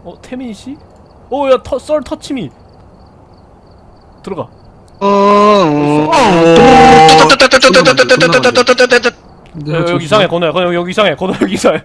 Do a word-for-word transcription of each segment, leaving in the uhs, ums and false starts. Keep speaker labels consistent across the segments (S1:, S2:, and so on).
S1: 어 태민 씨? 어야 썰 터치미 들어가.
S2: 어.
S1: 여, 여기 이상해 건우야. 건우 여기 이상해. 건우 여기 이상해.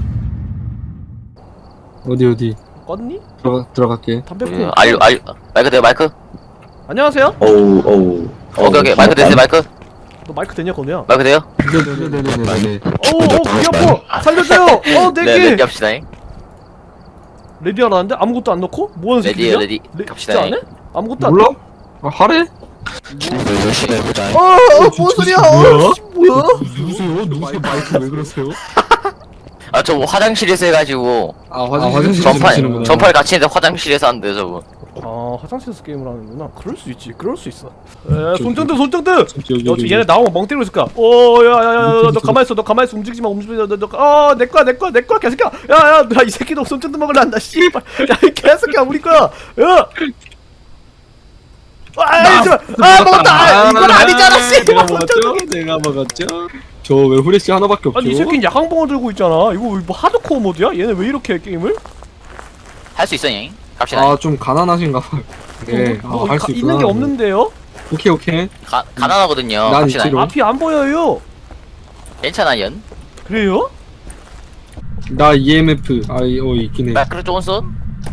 S2: 어디 어디?
S1: 껐니?
S2: 들어가 들어갈게.
S1: 담배
S3: 그,
S1: 피우.
S3: 알류 알류 마이크 돼요 마이크?
S1: 안녕하세요.
S4: 어우 어우
S3: 오케이 오케이 마이크 되세요 마이크?
S1: 너 마이크 되냐 건우야?
S3: 마이크 돼요?
S2: 네네네네네.
S1: 어우 어 귀 아파. 살려줘요. 어
S3: 네
S1: 내기.
S3: 레디 합시다잉.
S1: 레디 하라는데 아무것도 안 넣고? 뭐하는
S3: 레디에요,
S1: 새끼야?
S3: 레디.
S1: 레,
S3: 갑시다,
S1: 진짜 안 해? 아무것도 안
S2: 몰라? 아, 하래?
S4: 열심히 해보자.
S1: 어, 어, 뭔 소리야? 어, 씨, 뭐야?
S2: 누구세요? 누구세요? 마이크 왜 그러세요?
S3: 아 저 화장실에서 해가지고
S2: 아 화장실
S3: 전팔 전팔 같이 했는데 화장실에서 한대 저분.
S1: 아, 화장실에서 게임을 하는구나. 그럴 수 있지. 그럴 수 있어. 에, 손전등, 손전등.
S2: 여기
S1: 야,
S2: 여기
S1: 얘네 나오면 멍 때리고 있을 거야. 오, 야, 야, 야, 야, 너 가만히 있어. 너 가만히 있어. 움직이지 마. 움직이지 마. 너, 너, 어, 내 거야, 내 거야, 내 거야, 개새끼야. 야, 야, 나 이 새끼도 손전등 먹으려 한다. 씨발. 야, 이 개새끼야, 우리 거야. 야. 아, 잠깐. 아, 먹었다. 아, 이건 아니잖아, 씨.
S2: 내가 먹었죠? 내가 먹었죠? 저 왜 후레쉬 하나밖에 없죠?
S1: 아니, 이 새끼는 야광봉을 들고 있잖아. 이거 뭐 하드코어 모드야? 얘네 왜 이렇게 해, 게임을?
S3: 할 수 있어잉. 갑시다.
S2: 아 좀 가난하신가 봐요. 네,
S1: 뭐,
S2: 아, 할 수
S1: 가-
S2: 있구나.
S1: 있는 게 없는데요?
S2: 오케이 오케이.
S3: 가, 가난하거든요.
S2: 난
S3: 갑시다.
S2: 있지롱.
S1: 앞이 안 보여요.
S3: 괜찮아요.
S1: 그래요?
S2: 나 이엠에프 아 어 있긴 해.
S3: 마이크로 존슨?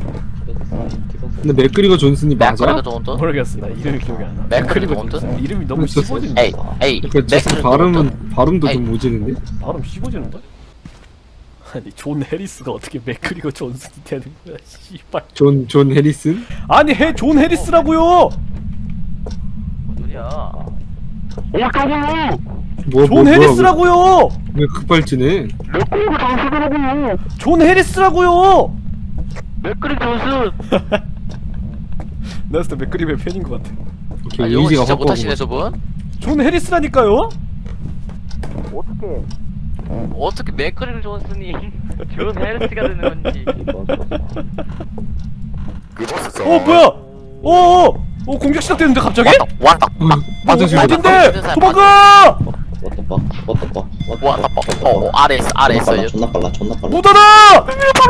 S2: 근데 맥그리거 존슨이 맞아?
S3: 마이크로 존슨?
S1: 모르겠어. 나 이름이 기억이 안 나.
S3: 맥크리거
S1: 맥크리거
S3: 존슨?
S1: 이름이 너무
S2: 존슨?
S1: 씹어지는
S3: 에이
S1: 거야.
S3: 에이
S2: 그 저
S3: 맥크리거 존슨?
S2: 발음은 발음도
S3: 에이.
S2: 좀 모지는데?
S1: 발음 씹어지는 거야? 아니 존 해리스가 어떻게 맥크리거 존슨이 되는 거야? 씨발.
S2: 존 존 해리슨?
S1: 아니 해 존 해리스라고요.
S3: 뭔 소리야?
S2: 뭐,
S1: 존
S2: 뭐, 뭐야,
S1: 해리스라고요.
S2: 왜, 왜 급발진해?
S1: 존 해리스라고요.
S3: 맥크리거 존슨?
S1: 나 진짜 맥크리의 팬인 것 같아.
S2: 오케이
S3: 아 영어
S2: 이미지가
S3: 진짜
S2: 확
S3: 못하시네 저분?
S1: 존 해리스라니까요.
S3: 어떻게 어떻게 맥크리거 존슨이 존 해리스가 되는 건지.
S1: 어 뭐야? 어어 어 공격 시작되는데 갑자기?
S3: 왔다 왔다
S2: 화장실
S1: 어,
S2: 갔다.
S1: 어딘데? 도망가!
S4: 왔다 빠 왔다 빠
S3: 왔다 왔다 어 아래 있어 아래 있어요.
S4: 존나 빨라 존나 빨라.
S1: 못 알아!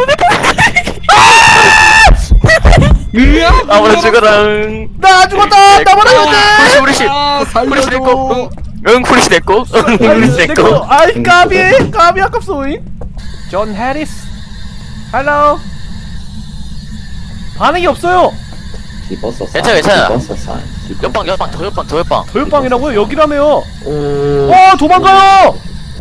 S2: 으아!
S3: 아무나 죽어라.
S1: 나 죽었다! 나 말아야 돼!
S3: 후리시
S2: 아,
S3: 후리시
S2: 살려줘.
S3: 됐고 응 후리시 됐고 응 후리시
S1: 내
S3: 됐고.
S1: 거, 아이 까비! 까비 아깝소잉? 존 해리스 헬로 반응이 없어요!
S4: 집었어.
S3: 괜찮아, 괜찮아.
S4: 집었어 사인.
S3: 옆방 옆방 더 옆방 더 옆방.
S1: 도협방이라고요? 여기라며요!
S4: 오.
S1: 어 도망가요!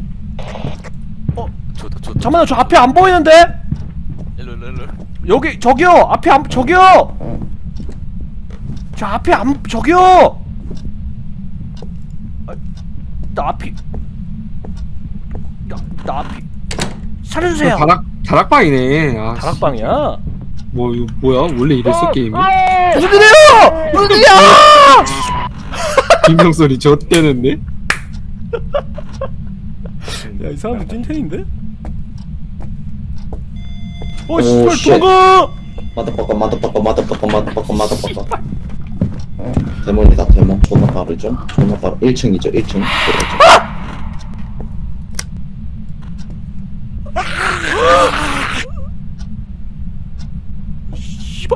S3: 좋다 좋다.
S1: 잠깐만요 저 앞에 안 보이는데?
S3: 일로 일로 일로.
S1: 여기 저기요! 앞에 안 저기요! 저 앞에 안 저기요! 아, 나 앞이 나, 나 앞이 살려주세요!
S2: 다락 다락방이네. 아,
S1: 다락방이야?
S2: 뭐 이거 뭐야? 원래 이랬어 게임이?
S1: 무슨 일이에요! 무슨 일이야!
S2: 김명 소리 젖대는데?
S1: 야 이 사람들 찐텐인데? 어
S4: 오,
S1: 씨발
S4: 쉣.
S1: 도망가!
S4: 마더버거 마더버거 마더버거 마더버거 마더버거. 데몬이다 데몬. 존나 빠르죠? 존나 빠르. 일 층이죠 일 층.
S1: 씨발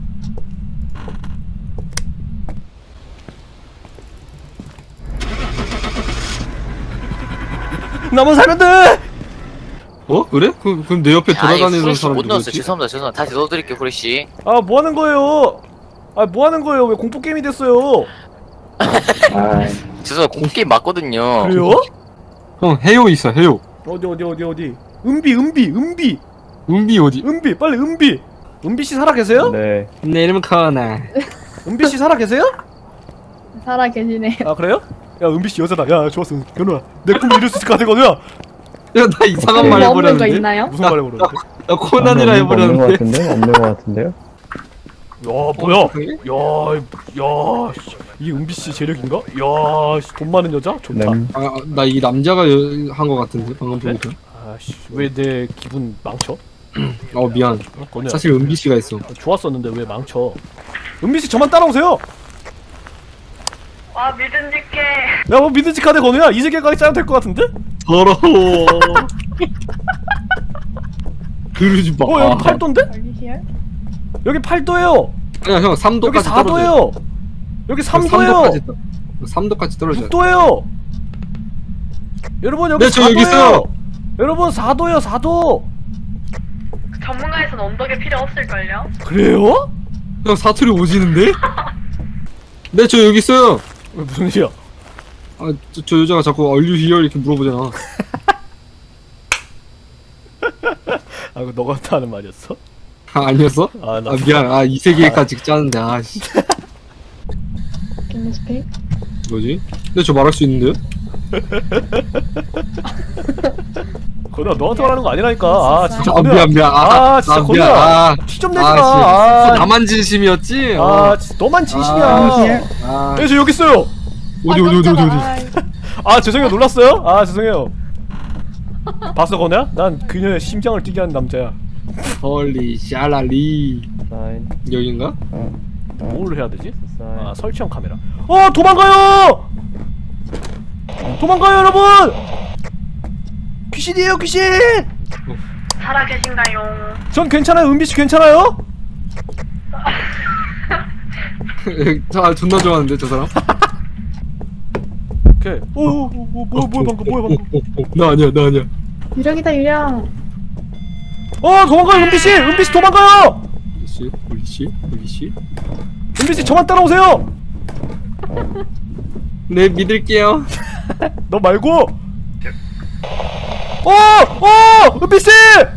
S1: 나만 살면 돼!
S2: 어? 그래? 그, 그럼 내 옆에 돌아다니는
S3: 후레쉬
S2: 사람
S3: 못 넣었어요.
S2: 누구지?
S3: 죄송합니다 죄송합니다. 다시 넣어드릴게요 후레쉬.
S1: 아 뭐하는 거예요? 아 뭐하는 거예요? 왜 공포 게임이 됐어요?
S4: 아.
S3: 죄송해요 공게임 맞거든요.
S1: 그래요?
S2: 형 해요 있어 해요.
S1: 어디 어디 어디 어디 은비 은비 은비
S2: 은비 어디?
S1: 은비 빨리 은비 은비 씨 살아 계세요?
S2: 네. 내 이름은 카나.
S1: 은비 씨 살아 계세요?
S5: 살아 계시네요.
S1: 아 그래요? 야 은비 씨 여자다. 야 좋았어 견우야 내 꿈을 이룰 수 있을 것 같아 견우야.
S2: 야 나 이상한 말
S5: 뭐 없는 거
S2: 해버렸는데?
S5: 있나요?
S1: 무슨 말 해버렸는데?
S2: 나 코난이라
S6: 없는 거
S2: 해버렸는데?
S6: 같은데? 없는 거 같은데요?
S1: 야 뭐야? 야, 야, 씨, 이 은비 씨 재력인가? 야, 씨, 돈 많은 여자? 좋다.
S6: 램.
S2: 아, 나 이 남자가 한 거 같은데 방금
S1: 네?
S2: 보니까.
S1: 아씨, 왜 내 기분 망쳐?
S2: 어 미안.
S1: 어, 건우야.
S2: 사실 은비 씨가 있어.
S1: 좋았었는데 왜 망쳐? 은비 씨 저만 따라오세요.
S5: 와 믿음직해.
S1: 야, 뭐 믿음직하대 건우야. 이세계까지 짜면 될 것 같은데?
S2: 더러워. 그러지 마.
S1: 어, 여기 팔도인데?
S5: Are you here?
S1: 여기 팔 도예요.
S2: 아니야 형 삼
S1: 여기
S2: 도까지
S1: 사
S2: 떨어져.
S1: 도예요. 여기 삼 도예요.
S2: 도까지 떨- 삼 도까지 떨어져.
S1: 육 도예요. 여러분 여기
S2: 네, 저
S1: 사
S2: 여기
S1: 도예요.
S2: 있어요.
S1: 여러분 사 도예요. 사 도.
S5: 전문가에선 언덕에 필요 없을걸요?
S1: 그래요?
S2: 형 사투리 오지는데? 네 저 여기 있어요.
S1: 왜 무슨 일이야?
S2: 아저 저 여자가 자꾸 Are you here 이렇게 물어보잖아.
S1: 아 이거 너가 하는 말이었어?
S2: 아 아니었어?
S1: 아, 나
S2: 아 미안. 아 이 세계까지 짜는데 아씨
S5: Can you speak?
S2: 뭐지? 근데 저 말할 수 있는데요?
S1: 건우야 너한테 말하는 거 아니라니까. 아 진짜
S2: 아
S1: 건우야.
S2: 미안 미안.
S1: 아, 진짜
S2: 미안.
S1: 건우야.
S2: 아,
S1: 티 좀 내지
S2: 아,
S1: 마.
S2: 씨.
S1: 아,
S2: 나만 진심이었지?
S1: 아
S2: 어.
S1: 진짜 너만 진심이야.
S2: 아, 아.
S1: 네, 저 여기 있어요.
S2: 어디 어디 어디 어디 어디.
S1: 아 죄송해요 놀랐어요? 아 죄송해요. 봤어 건우야? 난 그녀의 심장을 뛰게 하는 남자야.
S2: 헐리 샤랄리 여긴가?
S1: 뭘 해야 되지? 아 설치형 카메라. 어 도망가요! 도망가요 여러분! 귀신이에요 귀신!
S5: 살아 계신가요?
S1: 전 괜찮아요. 은비씨 괜찮아요?
S2: 아 존나 좋아하는데 저 사람?
S1: 오케이. 오오오 뭐야 뭐야 방금 뭐야 방금.
S2: 어, 어, 어, 나 아니야 나 아니야.
S5: 유령이다 유령.
S1: 어 도망가요 은비씨! 은비씨 도망가요!
S2: 홀리씨 홀리씨 홀리씨.
S1: 은비씨 저만 따라오세요!
S2: 네 믿을게요.
S1: 너 말고! 어! 어! 은비씨!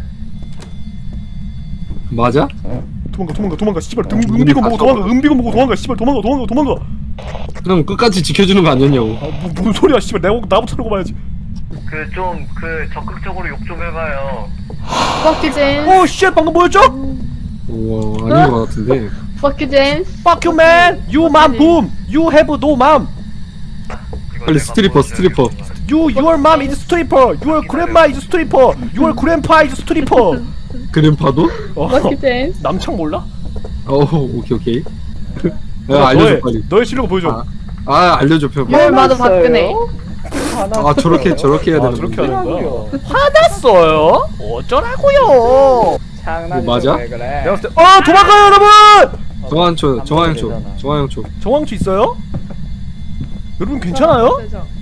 S2: 맞아?
S1: 도망가 도망가 도망가 씨발 등 은비고 보고 도망가 은비고 보고 도망가 씨발 도망가 도망가 도망가.
S2: 그럼 끝까지 지켜주는 거 아니었냐고.
S1: 아 뭐, 뭔 소리야 씨발 내가 나부터 하고 봐야지.
S6: 그 좀 그 적극적으로 욕 좀 해봐요.
S5: Fuck you James.
S1: 오 쉣 방금 뭐였죠?
S2: 우와 아닌 거 같은데.
S5: Fuck you James.
S1: Fuck you man! You mom boom! You have no mom!
S6: 이거
S2: 빨리
S6: 내가
S2: 스트리퍼
S6: 보여줘야
S2: 스트리퍼.
S1: You, your mom is stripper! Your grandma is stripper! Your grandpa is stripper!
S2: 그램파도?
S1: 어,
S5: Fuck you James.
S1: 남창 몰라?
S2: 어 오케이 오케이.
S1: 너,
S2: 야 알려줘
S1: 너의,
S2: 빨리.
S1: 너의 실력을 보여줘.
S2: 아, 아 알려줘 표.
S5: 열마도 박근혜.
S2: 아 저렇게 저렇게 해야
S1: 아
S2: 되는
S1: 저렇게
S2: 건데.
S1: 하는 거야? 화났어요? 어쩌라고요?
S2: 뭐 맞아?
S1: 내가 봤을 때 어! 도망가요 여러분!
S2: 정한초 정한초 정한초.
S1: 정황치 있어요? 여러분 괜찮아요?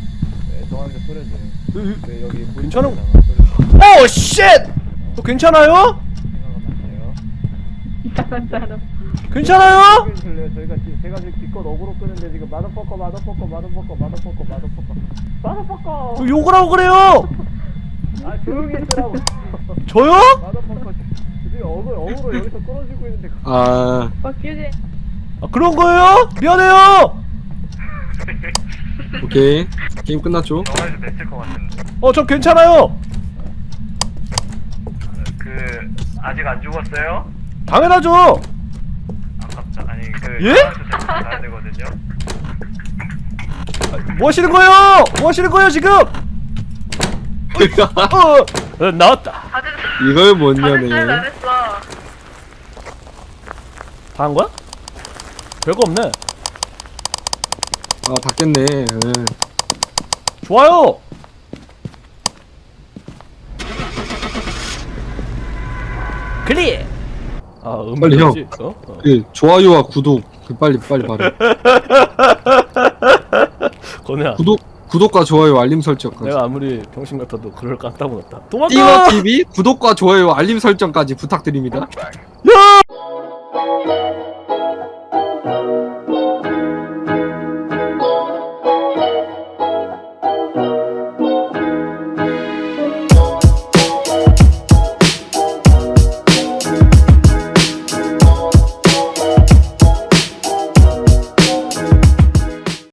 S1: 으, 괜찮은 오 쉣! 너 괜찮아요?
S5: 이상한 사람.
S1: 괜찮아요?
S7: 저희가 지- 제가 지금 기껏 어그로 끄는데 지금 마더퍼커 마더퍼커 마더퍼커 마더퍼커 마더퍼커 마더퍼커
S1: 너 욕을 하고 그래요?
S7: 아 조용히 있으라고
S1: 저요?
S7: 마더퍼커 지금 어그로 어그로 여기서 끌어지고 있는데
S2: 아
S5: Fuck you James.
S1: 아 그런 거예요? 미안해요.
S2: 오케이 게임 끝났죠?
S6: 정말도 됐을 것 같은데.
S1: 어 저 괜찮아요.
S6: 그 아직 안 죽었어요?
S1: 당연하죠.
S6: 아깝다. 아니 그
S1: 예?
S6: 정말도 가야 되거든요.
S1: 뭐 하시는 거예요? 뭐 하시는 거예요 지금? 어, 어 나왔다.
S5: 다들
S2: 이걸
S5: 다들 잘
S2: 뭐냐네.
S5: 잘했어.
S1: 다 한 거야? 별거 없네.
S2: 아 닫겠네. 응.
S1: 좋아요. 클릭. 아 음.
S2: 빨리 형.
S1: 어? 어.
S2: 그 좋아요와 구독 그 빨리 빨리 말해.
S1: 건우야.
S2: 구독 구독과 좋아요 알림 설정까지.
S1: 내가 아무리 병신 같아도 그럴 깜딱 없다. 도망가.
S2: 띠와 티비 구독과 좋아요 알림 설정까지 부탁드립니다.
S1: 야!